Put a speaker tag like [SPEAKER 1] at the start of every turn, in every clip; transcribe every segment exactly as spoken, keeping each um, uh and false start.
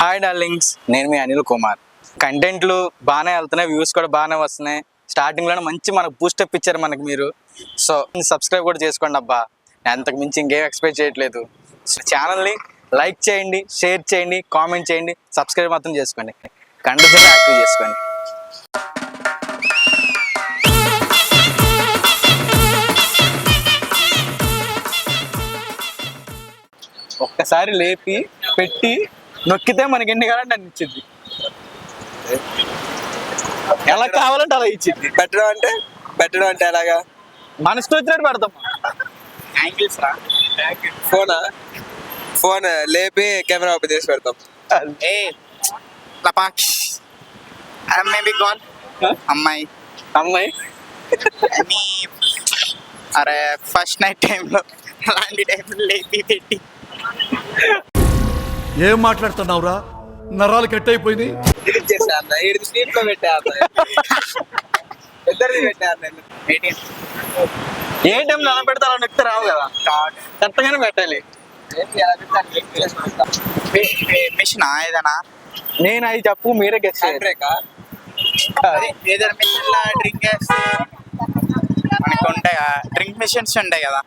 [SPEAKER 1] Hi darlings, నేను మీ అనిల్ కుమార్. కంటెంట్లు బాగానే వెళ్తున్నాయి, వ్యూస్ కూడా బాగానే వస్తున్నాయి. స్టార్టింగ్లోనే మంచి మనకు బూస్టప్ ఇచ్చారు మనకు మీరు. సో సబ్స్క్రైబ్ కూడా చేసుకోండి అబ్బా, అంతకు మించి ఇంకేం ఎక్స్పెక్ట్ చేయట్లేదు. సో ఛానల్ని లైక్ చేయండి, షేర్ చేయండి, కామెంట్ చేయండి, సబ్స్క్రైబ్ మాత్రం చేసుకోండి, కండిషన్ యాక్టివ్ చేసుకోండి. ఒక్కసారి లేపి పెట్టి నొక్కితే మనకి ఎన్ని కావాలంటే అన్ని ఇచ్చింది. ఎలా కావాలంటే అలా ఇచ్చింది.
[SPEAKER 2] పెట్టడం అంటే పెట్టడం అంటే ఎలాగా?
[SPEAKER 1] మన ఇష్టం వచ్చినట్టు పెడతాం. యాంగిల్స్ రా,
[SPEAKER 2] ఫోనా? ఫోన్ లేపి కెమెరా ఓపెన్ చేసి పెడతాం.
[SPEAKER 3] ఏ లపాక్ష్ మేబీ గాన్ అమ్మాయి
[SPEAKER 1] అమ్మాయి
[SPEAKER 3] మీ అరే ఫస్ట్ నైట్ టైంలో అలాంటి టైంలో లేపి పెట్టి
[SPEAKER 4] ఏం మాట్లాడుతున్నావురా? నరాలు కట్ అయిపోయింది.
[SPEAKER 2] చేసా అన్న ఏడు స్లీప్ లో పెట్టా అన్న, ఇద్దరిది పెట్టా అన్న.
[SPEAKER 1] ఏ టైంలో ఎలా పెడితే అలా నొక్కితే రావు కదా, కరెక్ట్గానే పెట్టాలి.
[SPEAKER 3] మిషన్ ఏదైనా
[SPEAKER 1] నేను అది చెప్పు, మీరే గెస్ట్
[SPEAKER 2] బ్రేకా?
[SPEAKER 3] ఏదైనా మిషన్ లా డ్రింక్ వేస్తే మనకు ఉంటాయి కదా, డ్రింక్ మిషన్స్ ఉంటాయి కదా.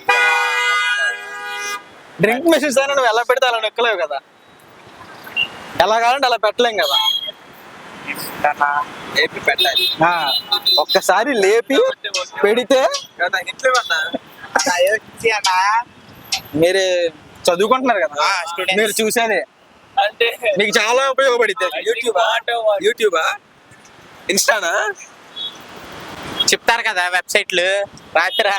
[SPEAKER 1] డ్రింక్ మెషిన్స్ అయినా నువ్వు ఎలా పెడితే అలా నొక్కలేవు కదా, ఎలా కావాలంటే అలా పెట్టలేం కదా.
[SPEAKER 2] లేపి పెట్టాలి.
[SPEAKER 1] ఆ, ఒక్కసారి లేపి పెడితే
[SPEAKER 2] ఇంట్లో అన్నా
[SPEAKER 1] మీరు చదువుకుంటున్నారు కదా,
[SPEAKER 3] ఆ, students.
[SPEAKER 1] మీరు చూసేది అంటే మీకు చాలా ఉపయోగపడితే.
[SPEAKER 2] యూట్యూబా యూట్యూబా ఇన్స్టానా?
[SPEAKER 3] చెప్తారు కదా వెబ్సైట్లు, రాత్రి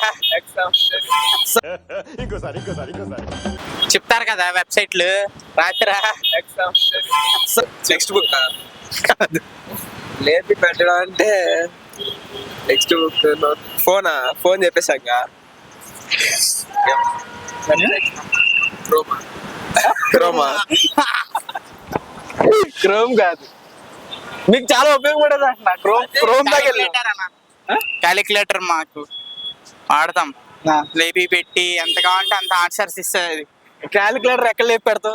[SPEAKER 3] చెప్తారు కదా వెబ్సైట్లు, రాత్రి
[SPEAKER 2] టెక్స్ట్ బుక్ కాదు. లేపి పెట్టడం అంటే టెక్స్ట్ బుక్. ఫోనా? ఫోన్ చెప్పేసాక క్రోమా
[SPEAKER 1] క్రోమ్ కాదు, మీకు చాలా ఉపయోగపడేది అంటున్నా. క్రోమ్ క్రోమ్ దగ్గర
[SPEAKER 3] క్యాలిక్యులేటర్ మాకు వాడతాం. లేపి పెట్టి ఎంత కావాలంటే అంత ఆన్సర్స్ ఇస్తుంది.
[SPEAKER 1] క్యాలిక్యులేటర్ ఎక్కడ లేపి పెడతాం.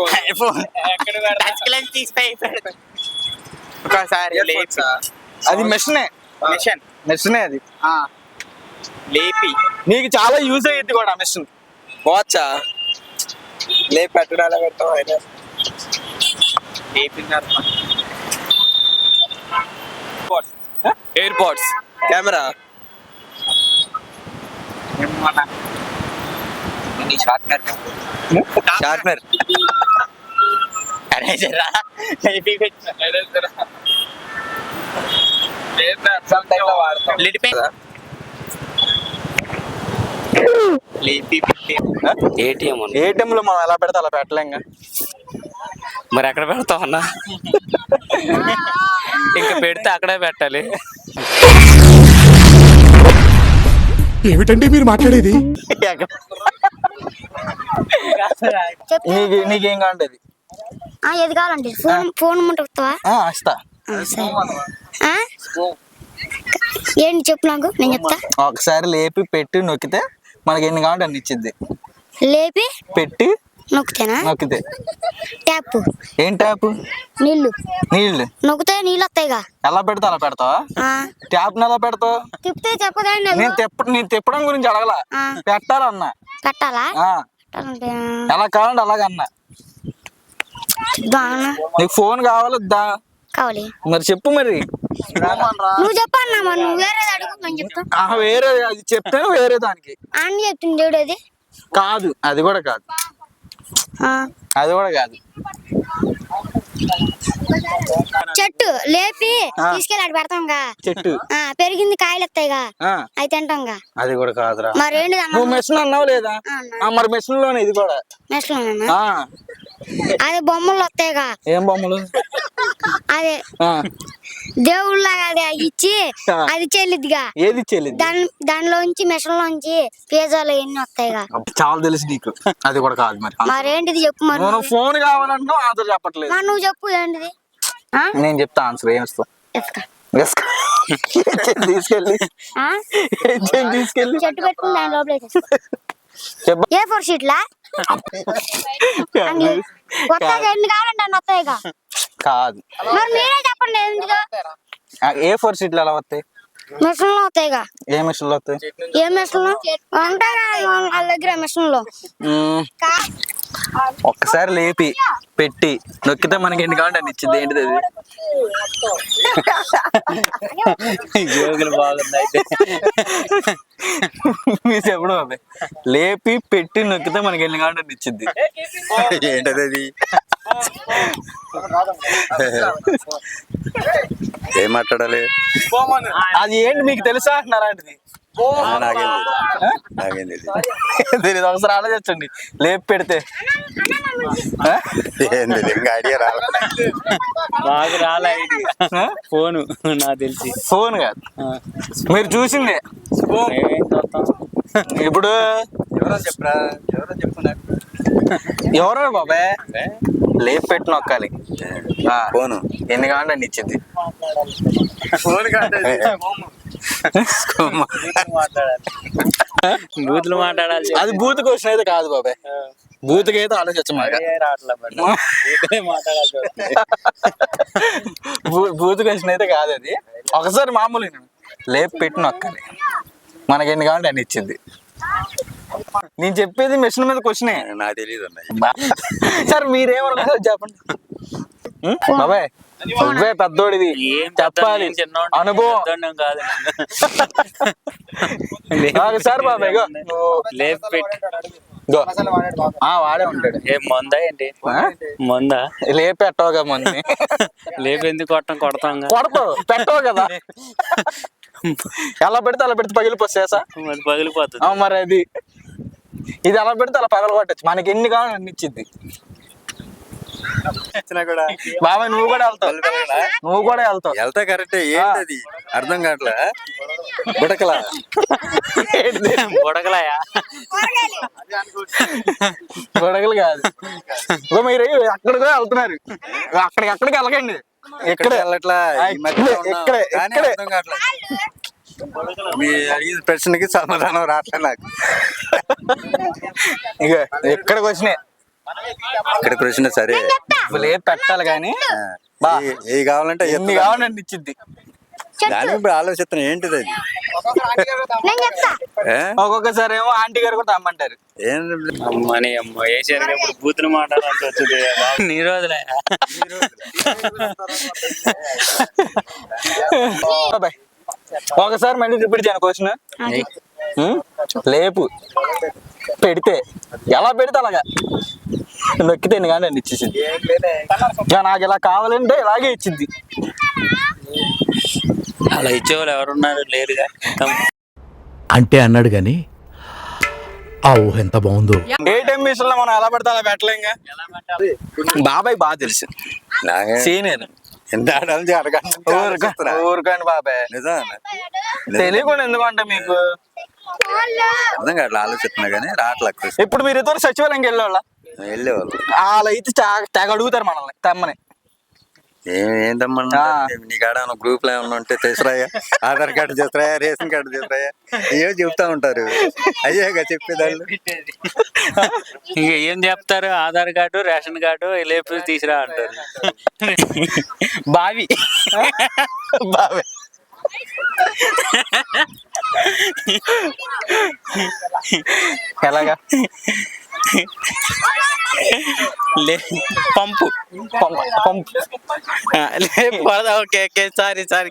[SPEAKER 3] ఒకసారి లేపి
[SPEAKER 1] అది మెషినే,
[SPEAKER 3] మిషన్
[SPEAKER 1] మెషినే అది.
[SPEAKER 3] లేపి
[SPEAKER 1] నీకు చాలా యూజ్ అయ్యేది కూడా మెషిన్.
[SPEAKER 2] వాచా? లేపి పెట్టడం ఎలా పెడతాం అయినా?
[SPEAKER 1] AirPods,
[SPEAKER 2] camera, sharpener sharpener
[SPEAKER 3] ATM
[SPEAKER 1] ATM లో మనం ఎలా పెడితే అలా పెట్టలేంగా.
[SPEAKER 3] మరి ఎక్కడ పెడతాం అన్నా? ఇంకా పెడితే అక్కడే పెట్టాలి.
[SPEAKER 4] ఏమిటండి మీరు మాట్లాడేది?
[SPEAKER 1] నీకు నీకేం కావాలంటే అది.
[SPEAKER 5] ఏది కావాలండి? ఫోన్ ఫోన్ ముంటావా?
[SPEAKER 1] వస్తా.
[SPEAKER 5] ఏంటి చెప్పు నాకు, నేను చెప్తా.
[SPEAKER 1] ఒకసారి లేపి పెట్టి నొక్కితే మనకి ఎన్ని కావాలంటే అన్ని ఇచ్చిద్ది.
[SPEAKER 5] లేపి
[SPEAKER 1] పెట్టి
[SPEAKER 5] నొక్కుతేనా?
[SPEAKER 1] నొక్కితే
[SPEAKER 5] ట్యాప్.
[SPEAKER 1] ఏం ట్యాప్?
[SPEAKER 5] నీళ్లు.
[SPEAKER 1] నీళ్ళు
[SPEAKER 5] నొక్కితే నీళ్ళు వస్తాయిగా.
[SPEAKER 1] ఎలా పెడతా అలా పెడతావా? ట్యాప్ ఎలా పెడతావు?
[SPEAKER 5] తిప్పితే చెప్పదండి.
[SPEAKER 1] నేను తిప్ప నేను తిప్పడం గురించి అడగలా, పెట్టాలన్నా.
[SPEAKER 5] పెట్టాలా?
[SPEAKER 1] ఆ,
[SPEAKER 5] పెట్టాలంటే
[SPEAKER 1] ఎలా కావాలంటే అలాగన్నా. నీకు ఫోన్ కావాలి వద్దా?
[SPEAKER 5] కావాలి.
[SPEAKER 1] మరి చెప్పు. మరి
[SPEAKER 5] నువ్వు చెప్పన్నా, మరి నువ్వు వేరేది అడుగు, నేను చెప్తా.
[SPEAKER 1] వేరే అది చెప్తాను, వేరే దానికి
[SPEAKER 5] అన్ని చెప్తుంది దేవుడు. అది
[SPEAKER 1] కాదు, అది కూడా కాదు, అది కూడా కాదు.
[SPEAKER 5] చెట్టు లేపి తీసుకెళ్ళి అటు పెడతాంగా.
[SPEAKER 1] చెట్టు
[SPEAKER 5] పెరిగింది, కాయలు వస్తాయిగా, అవి తింటాంగా.
[SPEAKER 1] అది కూడా కాదురా.
[SPEAKER 5] మరి ఏంటి?
[SPEAKER 1] నువ్వు మెషిన్ అన్నావు లేదా? మరి మెషిన్ లోనే ఇది కూడా.
[SPEAKER 5] మెషిన్ అదే బొమ్మలు వస్తాయిగా.
[SPEAKER 1] ఏం బొమ్మలు?
[SPEAKER 5] అదే దేవుళ్ళగా అది ఇచ్చి అది చెల్లిద్దిగా.
[SPEAKER 1] ఏది చెల్లిద్ది?
[SPEAKER 5] దాని దానిలోంచి మెషిన్ లోంచి పిజ్జాలు ఎన్ని వస్తాయిగా.
[SPEAKER 1] చాలా తెలుసు నీకు. అది కూడా కాదు. మరి
[SPEAKER 5] మరేంటిది చెప్పు. మరి
[SPEAKER 1] నువ్వు ఫోన్ కావాలంటున్నావు, ఆన్సర్ చెప్పట్లేదు.
[SPEAKER 5] మరి నువ్వు చెప్పు ఏంటిది.
[SPEAKER 1] నేను చెప్తా ఆన్సర్. ఏం ఇస్తావు? తీసుకెళ్ళి తీసుకెళ్ళి
[SPEAKER 5] చెట్టు పెట్టుకుని దాని లోపల ఏ ఫోర్ షీట్లా కొత్తగా ఎన్ని కావాలంటే అన్ని వస్తాయిగా.
[SPEAKER 1] కాదు,
[SPEAKER 5] మరి మీరే చెప్పండి ఎందుకు
[SPEAKER 1] ఏ ఫోర్ సీట్లు ఎలా వస్తాయి?
[SPEAKER 5] మిషన్లు అవుతాయిగా.
[SPEAKER 1] ఏ మిషన్లు వస్తాయి?
[SPEAKER 5] ఏ మిషన్లు ఉంటాయిగా వాళ్ళ దగ్గర మిషన్లు.
[SPEAKER 1] మ్మ్. ఒక్కసారి లేపి పెట్టి నొక్కితే మనకి ఎన్ని కావాలంటే అన్ని ఇచ్చింది. ఏంటిది అది?
[SPEAKER 3] జోకులు బాగుంది అయితే.
[SPEAKER 1] మీరు చెప్పడం బాబాయ్. లేపి పెట్టి నొక్కితే మనకి ఎన్ని కావాలంటే అన్ని ఇచ్చింది.
[SPEAKER 6] ఏంటది అది? ఏం మాట్లాడాలి?
[SPEAKER 1] అది ఏంటి మీకు తెలుసా అంటున్నారా? అంటది
[SPEAKER 6] నాకేం నాకేం తెలియదు.
[SPEAKER 1] తెలియదు. ఒకసారి ఆలోచించండి. లేపి పెడితే ఆ?
[SPEAKER 6] ఏం తెలియదు, ఇంకా ఐడియా రాలే.
[SPEAKER 3] బాగా రాలే ఐడియా. ఫోను నాకు తెలిసి.
[SPEAKER 1] ఫోన్ కాదు, మీరు చూసిందే.
[SPEAKER 3] మేమేం చూస్తాం.
[SPEAKER 1] ఇప్పుడు
[SPEAKER 6] ఎవరో చెప్పరా, ఎవరో చెప్పున్నారు.
[SPEAKER 1] ఎవరో బాబాయ్ లేపి పెట్టి నొక్కాలి. ఆ,
[SPEAKER 6] ఫోను
[SPEAKER 1] ఎన్ని కావాలంటే అన్ని ఇచ్చింది.
[SPEAKER 6] ఫోన్ కాదు,
[SPEAKER 3] బూతులు మాట్లాడాలి.
[SPEAKER 1] అది బూత్ క్వశ్చన్ అయితే కాదు బాబాయ్. బూత్కి అయితే ఆలోచించమాట. బూత్ క్వశ్చన్ అయితే కాదు అది. ఒకసారి మామూలు లేపి పెట్టి నొక్కాలి, మనకి ఎన్ని కావాలంటే అన్ని ఇచ్చింది. నేను చెప్పేది మిషన్ మీద క్వశ్చనే.
[SPEAKER 6] నాకు తెలియదు అన్నయ్య.
[SPEAKER 1] సార్ మీరేమనుకుంటారు చెప్పండి. ఉం? బాబాయ్ నువ్వే పెద్దోడివి, చెప్పాలి. అనుభవం
[SPEAKER 3] కాదు.
[SPEAKER 1] నాకు సార్ బాబాయ్ ఇగో
[SPEAKER 3] లేపి పెట్టి
[SPEAKER 1] ఇగో. ఆ, వాడే ఉంటాడు.
[SPEAKER 3] ఏ మందా ఏంటి?
[SPEAKER 1] ఆ?
[SPEAKER 3] మందా?
[SPEAKER 1] లేపి పెట్టవగా మంది.
[SPEAKER 3] లేపి ఎందుకు కొట్టం? కొడతాం.
[SPEAKER 1] కొడతావు, పెట్టవు కదా. ఎలా పెడితే అలా పెడితే పగిలిపోసేసా
[SPEAKER 3] మరి పగిలిపోతుంది.
[SPEAKER 1] మరి అది ఇది ఎలా పెడితే అలా పగల కొట్టచ్చు. మనకి ఎన్ని కావాలని అన్ని ఇచ్చింది. బాబాయ్ నువ్వు కూడా వెళ్తావు, నువ్వు కూడా వెళ్తావు.
[SPEAKER 6] వెళ్తా కరెక్టే. ఏంటది అర్థం కావట్లే. బుడకలా
[SPEAKER 3] బుడగలాయా?
[SPEAKER 1] గొడగలు కాదు. ఇగో మీరు అక్కడికి వెళ్తున్నారు, అక్కడికి అక్కడికి వెళ్ళకండి.
[SPEAKER 6] ఇక్కడ వెళ్ళట్లా, ఈ మధ్యలో ఉన్నాం.
[SPEAKER 1] ఇక్కడే,
[SPEAKER 6] కానీ
[SPEAKER 1] ఇక్కడే.
[SPEAKER 6] అర్థం కావట్లే. మీ అడిగిన ప్రశ్నకి సమాధానం రావట్లే నాకు.
[SPEAKER 1] ఇక ఇక్కడికి వచ్చినాయి.
[SPEAKER 6] ఇక్కడ ప్రశ్న సరే,
[SPEAKER 1] లేపి పెట్టాలి కానీ బా
[SPEAKER 6] ఏ- ఏ కావాలంటే
[SPEAKER 1] ఎన్ని
[SPEAKER 6] ఎత్తు.
[SPEAKER 1] కావాలని ఇచ్చింది.
[SPEAKER 6] దానికి ఇప్పుడు ఆలోచిస్తున్నా ఏంటిది అది?
[SPEAKER 5] నేను చెప్తా.
[SPEAKER 6] ఏ?
[SPEAKER 1] ఒక్కొక్కసారి ఏమో ఆంటీ గారు కూడా రమ్మంటారు.
[SPEAKER 6] ఏం
[SPEAKER 3] అమ్మని అమ్మ వేసారు. ఇప్పుడు బూతులు మాట్లాడాల్సి వచ్చింది. నీ రోజులే.
[SPEAKER 1] బాబాయ్ ఒకసారి మళ్ళీ రిపీట్ చేయను క్వశ్చన్. లేపు పెడితే ఎలా పెడితే అలాగా నొక్కితే ఎన్ని కానీ ఇచ్చేసింది. ఇక నాకు ఇలా కావాలంటే ఇలాగే ఇచ్చింది.
[SPEAKER 3] అలా ఇచ్చేవాళ్ళు ఎవరున్నారు? లేరుగా.
[SPEAKER 4] అంటే అన్నాడు గాని ఆ ఊహ ఎంత బాగుందో.
[SPEAKER 1] ఏటీఎం మిషన్ లో మనం ఎలా పడితే అలా పెట్టలేంగా. బాబాయ్ బాగా తెలుసు,
[SPEAKER 6] నాకే
[SPEAKER 1] సీనియర్.
[SPEAKER 6] ఎంత ఆడాలి అడగండి.
[SPEAKER 1] ఊరుకోండి బాబాయ్,
[SPEAKER 6] నిజం
[SPEAKER 1] తెలియకుండా ఎందుకంటే మీకు.
[SPEAKER 6] అర్థం కావట్లే, ఆలోచిస్తున్నా కానీ రావట్లే.
[SPEAKER 1] ఇప్పుడు మీరు ఇద్దరు సచివాలయంకి వెళ్ళేవాళ్ళ?
[SPEAKER 6] వెళ్ళేవాళ్ళు.
[SPEAKER 1] వాళ్ళు అయితే చా- తెగ అడుగుతారు మనల్ని తెమ్మని.
[SPEAKER 6] ఏం ఏం తమ్మన్నా నీ కాడ గ్రూప్ లో ఏమన్నా ఉంటే తీసురాయా, ఆధార్ కార్డు తీసురాయా, రేషన్ కార్డు తీసురాయా, అయ్యో చెప్తా ఉంటారు. అయ్యాక చెప్పేదాళ్ళు.
[SPEAKER 3] ఇంక ఏం చెప్తారు? ఆధార్ కార్డు, రేషన్ కార్డు లేపు తీసురా అంటారు. బావి
[SPEAKER 1] బాబాయ్ ఎలాగా?
[SPEAKER 3] లే పంపు
[SPEAKER 1] పంప్ పంప్
[SPEAKER 3] లేపు. Okay okay sorry sorry.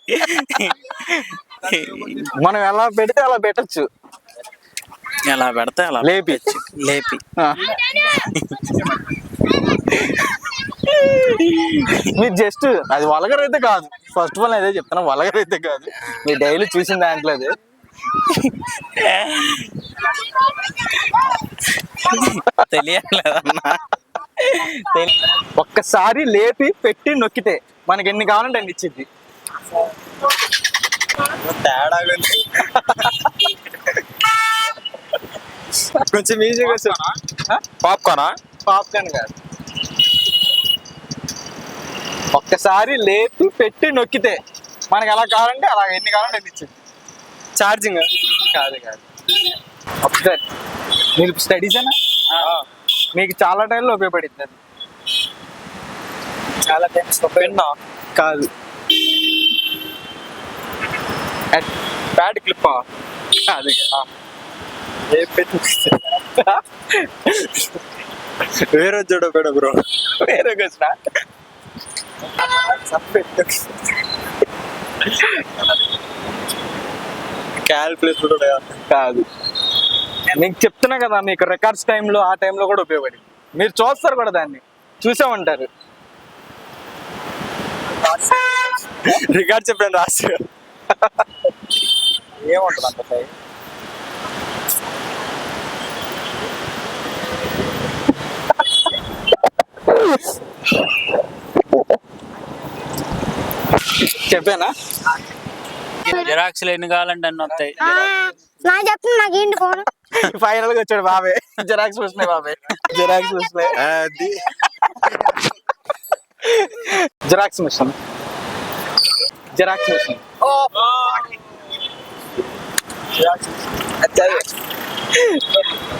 [SPEAKER 1] మనం ఎలా పెడితే అలా పెట్టచ్చు.
[SPEAKER 3] ఎలా పెడితే అలా
[SPEAKER 1] లేపి
[SPEAKER 3] లేపి.
[SPEAKER 1] ఆ. మీరు జస్ట్ అది వలగర్ అయితే కాదు. ఫస్ట్ ఆఫ్ ఆల్ అదే చెప్తాను, వలగర్ అయితే కాదు. మీరు డైలీ చూసిన దాంట్లో అది.
[SPEAKER 3] తెలియట్లేదన్నా.
[SPEAKER 1] ఒక్కసారి లేపి పెట్టి నొక్కితే మనకి ఎన్ని కావాలంటే అన్ని ఇచ్చింది.
[SPEAKER 2] తేడా కొంచెం ఈజీగా
[SPEAKER 1] పాప్కార్నా? పాప్కార్న్ కాదు. ఒక్కసారి లేపి పెట్టి నొక్కితే మనకి ఎలా కావాలంటే అలా ఎన్ని కావాలంటే అన్ని ఇచ్చింది.
[SPEAKER 2] ఛార్జింగ్
[SPEAKER 1] కాదు కాదు ఒకసారి మీరు స్టడీస్ అయినా మీకు చాలా టైంలో ఉపయోగపడుతుంది అది.
[SPEAKER 3] చాలా ఫేమస్
[SPEAKER 2] పెన్నా
[SPEAKER 1] కాదు.
[SPEAKER 2] బ్యాడ్ క్లిప్పా
[SPEAKER 1] కాదు.
[SPEAKER 2] ఏ పెట్టి వేరే చూడ పెడ బ్రో
[SPEAKER 1] వేరే క్వశ్చన్.
[SPEAKER 2] క్యాల్కులేటర్ కూడా
[SPEAKER 1] కాదు. మీకు చెప్తున్నా కదా, మీకు రికార్డ్స్ టైంలో ఆ టైంలో కూడా ఉపయోగపడి మీరు చూస్తారు కూడా, దాన్ని చూసే ఉంటారు.
[SPEAKER 2] రికార్డ్ చెప్పండి రాసి
[SPEAKER 3] ఏముంటుంది అంత టైం?
[SPEAKER 1] చెప్పానా?
[SPEAKER 3] జిరాక్స్లు ఎన్ని కావాలంటే అన్ని వస్తాయి.
[SPEAKER 5] ఆ, నా చెప్తున్నా నాకు ఏంటి ఫోన్.
[SPEAKER 1] ఫైనల్ గా వచ్చాడు బాబే. జిరాక్స్ చూసినాయి బాబే, జిరాక్స్ చూసినాయి.
[SPEAKER 2] అది
[SPEAKER 1] xerox machine, xerox machine.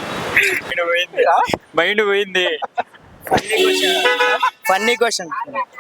[SPEAKER 3] Mind పోయింది. Funny question.